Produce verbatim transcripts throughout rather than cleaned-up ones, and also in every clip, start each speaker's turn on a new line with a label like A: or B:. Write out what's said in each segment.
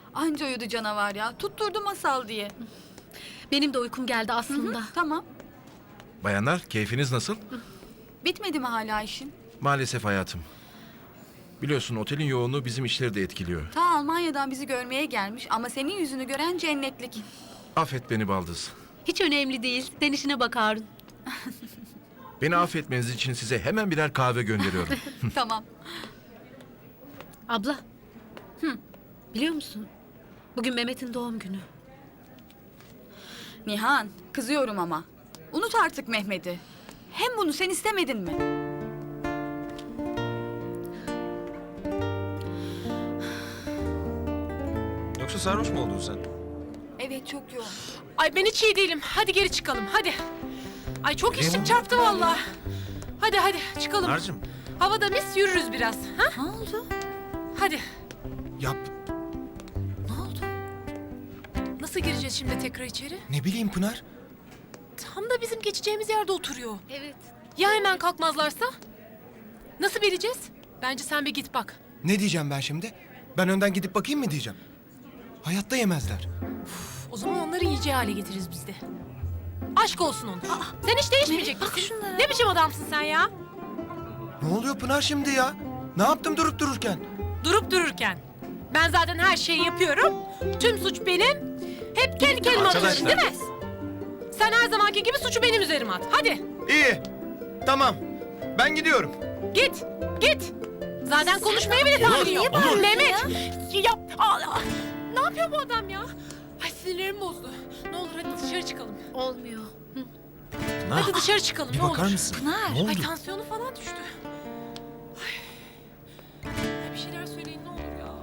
A: Anca uyudu canavar ya. Tutturdu masal diye.
B: Benim de uykum geldi aslında.
A: Hı, tamam.
C: Bayanlar, keyfiniz nasıl?
A: Bitmedi mi hala işin?
C: Maalesef hayatım. Biliyorsun otelin yoğunluğu bizim işleri de etkiliyor.
A: Ta Almanya'dan bizi görmeye gelmiş ama senin yüzünü gören cennetlik.
C: Affet beni baldız.
B: Hiç önemli değil. Sen işine bak Harun.
C: Beni affetmeniz için size hemen birer kahve gönderiyorum.
A: Tamam.
B: Abla. Hı. Biliyor musun? Bugün Mehmet'in doğum günü.
A: Nihan, kızıyorum ama. Unut artık Mehmet'i. Hem bunu sen istemedin mi?
D: Yoksa sarhoş mu oldun sen?
A: Evet, çok yoğun.
E: Ay ben hiç iyi değilim. Hadi geri çıkalım hadi. Ay çok içtim çarptı vallahi. Hadi hadi çıkalım.
D: Pınar'cığım.
E: Havada mis yürürüz biraz. Ha?
A: Ne oldu?
E: Hadi.
D: Yap.
A: Ne oldu?
E: Nasıl gireceğiz şimdi tekrar içeri?
D: Ne bileyim Pınar.
E: Tam da bizim geçeceğimiz yerde oturuyor.
B: Evet.
E: Ya hemen kalkmazlarsa? Nasıl bileceğiz? Bence sen bir git bak.
F: Ne diyeceğim ben şimdi? Ben önden gidip bakayım mı diyeceğim? Hayatta yemezler.
E: O zaman onları yiyeceği hale getiririz biz de. Aşk olsun ona. Sen hiç değişmeyecek
A: Mehmet, bak
E: misin?
A: şunlara.
E: Ne biçim adamsın sen ya?
F: Ne oluyor Pınar şimdi ya? Ne yaptım durup dururken?
E: Durup dururken. Ben zaten her şeyi yapıyorum. Tüm suç benim. Hep kendi kendime atıyorum değil mi? Sen her zamanki gibi suçu benim üzerime at. Hadi
F: İyi. Tamam. Ben gidiyorum.
E: git, git. Zaten konuşmaya bile tahammülü yok. Mehmet, ya, aa, ne yapıyor bu adam ya? Ay sinirlerim bozdu. Ne olur hadi dışarı çıkalım.
B: Olmuyor. Hı.
D: Pınar.
E: Hadi dışarı çıkalım
D: Bir
E: ne
D: bakar
E: olur.
D: mısın?
A: Pınar.
D: Ne oldu?
E: Ay tansiyonu falan düştü. Ay. Ay, bir şeyler söyleyin ne olur ya.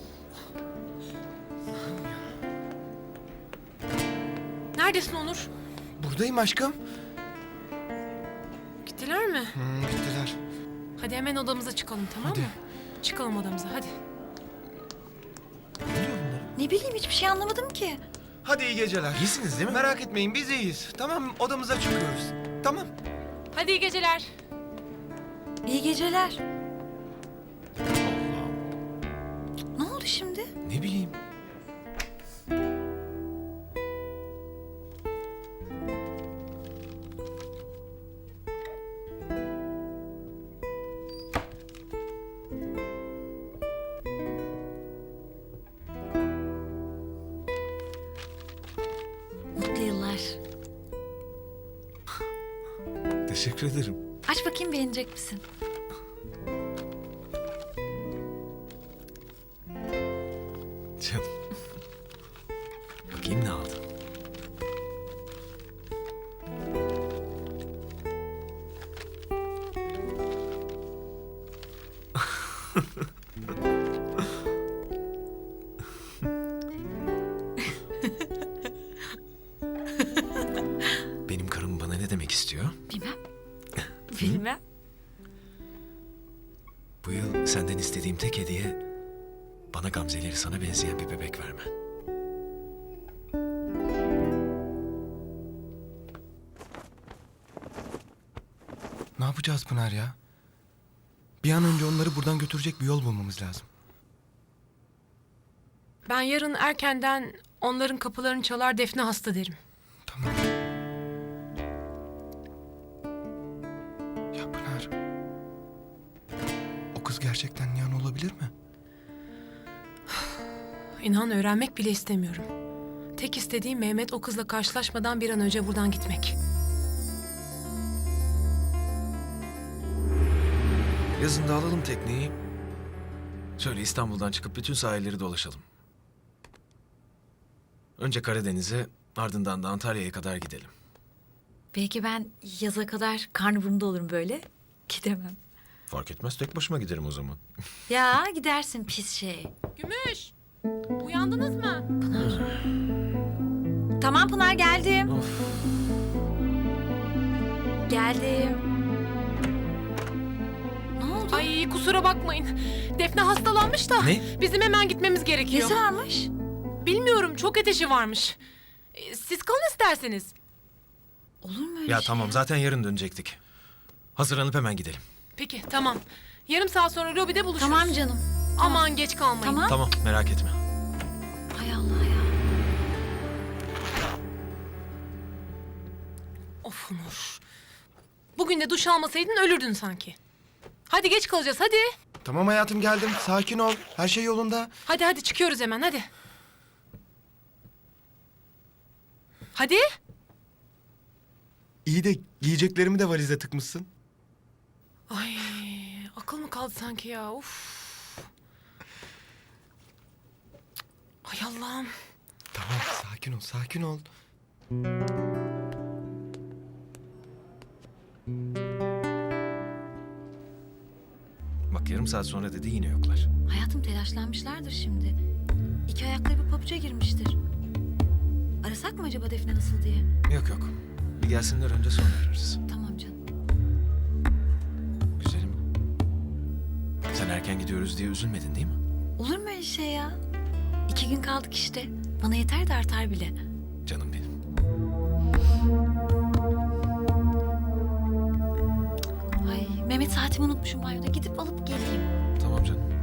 E: Neredesin Onur?
F: Buradayım aşkım.
E: Gittiler mi?
F: Hmm, gittiler.
E: Hadi hemen odamıza çıkalım tamam
F: Hadi.
E: mı? Çıkalım odamıza hadi.
D: Ne oluyor bunlar?
A: Ne bileyim, hiçbir şey anlamadım ki.
F: Hadi iyi geceler.
D: İyisiniz değil mi?
F: Merak etmeyin biz iyiyiz. Tamam odamıza çıkıyoruz. Tamam.
E: Hadi iyi geceler.
A: İyi geceler.
D: Allah'ım.
A: Ne oldu şimdi?
D: Ne bileyim.
A: Mutlu yıllar.
D: Teşekkür ederim.
A: Aç bakayım, beğenecek misin?
D: Canım. Bakayım ne aldın. Benim karım bana ne demek istiyor?
A: Bilmem. Bilmem.
D: Bu yıl senden istediğim tek hediye bana gamzeleri sana benzeyen bir bebek vermen.
F: Ne yapacağız Pınar ya? Bir an önce onları buradan götürecek bir yol bulmamız lazım.
E: Ben yarın erkenden onların kapılarını çalar Defne hasta derim.
F: Tamam. Ya Pınar. O kız gerçekten Nihan olabilir mi?
E: İnan öğrenmek bile istemiyorum. Tek istediğim Mehmet o kızla karşılaşmadan bir an önce buradan gitmek.
D: Yazın da alalım tekneyi. Şöyle İstanbul'dan çıkıp bütün sahilleri dolaşalım. Önce Karadeniz'e, ardından da Antalya'ya kadar gidelim.
G: Belki ben yaza kadar karnıburunda olurum böyle. Gidemem.
D: Fark etmez, tek başıma giderim o zaman.
G: Ya gidersin pis şey.
E: Gümüş! Uyandınız mı?
G: Tamam Pınar geldim.
D: Of.
G: Geldim.
A: Ne oldu?
E: Ay kusura bakmayın. Defne hastalanmış da.
D: Ne?
E: Bizim hemen gitmemiz gerekiyor.
A: Nesi varmış?
E: Bilmiyorum çok ateşi varmış. Ee, Siz kalın isterseniz.
A: Olur mu öyle
D: Ya
A: şey?
D: tamam, zaten yarın dönecektik. Hazırlanıp hemen gidelim.
E: Peki tamam. Yarım saat sonra lobide buluşuruz.
A: Tamam canım.
E: Aman geç kalmayın.
A: Tamam.
D: Tamam, merak etme.
G: Hay Allah ya.
E: Of Onur. Bugün de duş almasaydın ölürdün sanki. Hadi geç kalacağız hadi.
F: Tamam hayatım geldim. Sakin ol. Her şey yolunda.
E: Hadi hadi çıkıyoruz hemen hadi. Hadi.
F: İyi de giyeceklerimi de valize tıkmışsın.
E: Ay akıl mı kaldı sanki ya uf. Ay Allah'ım.
F: Tamam sakin ol sakin ol.
D: Bak yarım saat sonra dedi yine yoklar.
G: Hayatım telaşlanmışlardır şimdi. İki ayakları bir pabuca girmiştir. Arasak mı acaba Defne nasıl diye?
D: Yok yok. Bir gelsinler önce sonra ararız.
G: Tamam canım.
D: Güzelim. Sen erken gidiyoruz diye üzülmedin değil mi?
G: Olur mu öyle şey ya? İki gün kaldık işte. Bana yeter de artar bile.
D: Canım benim.
G: Ay Mehmet saatimi unutmuşum banyoda. Gidip alıp geleyim.
D: Tamam canım.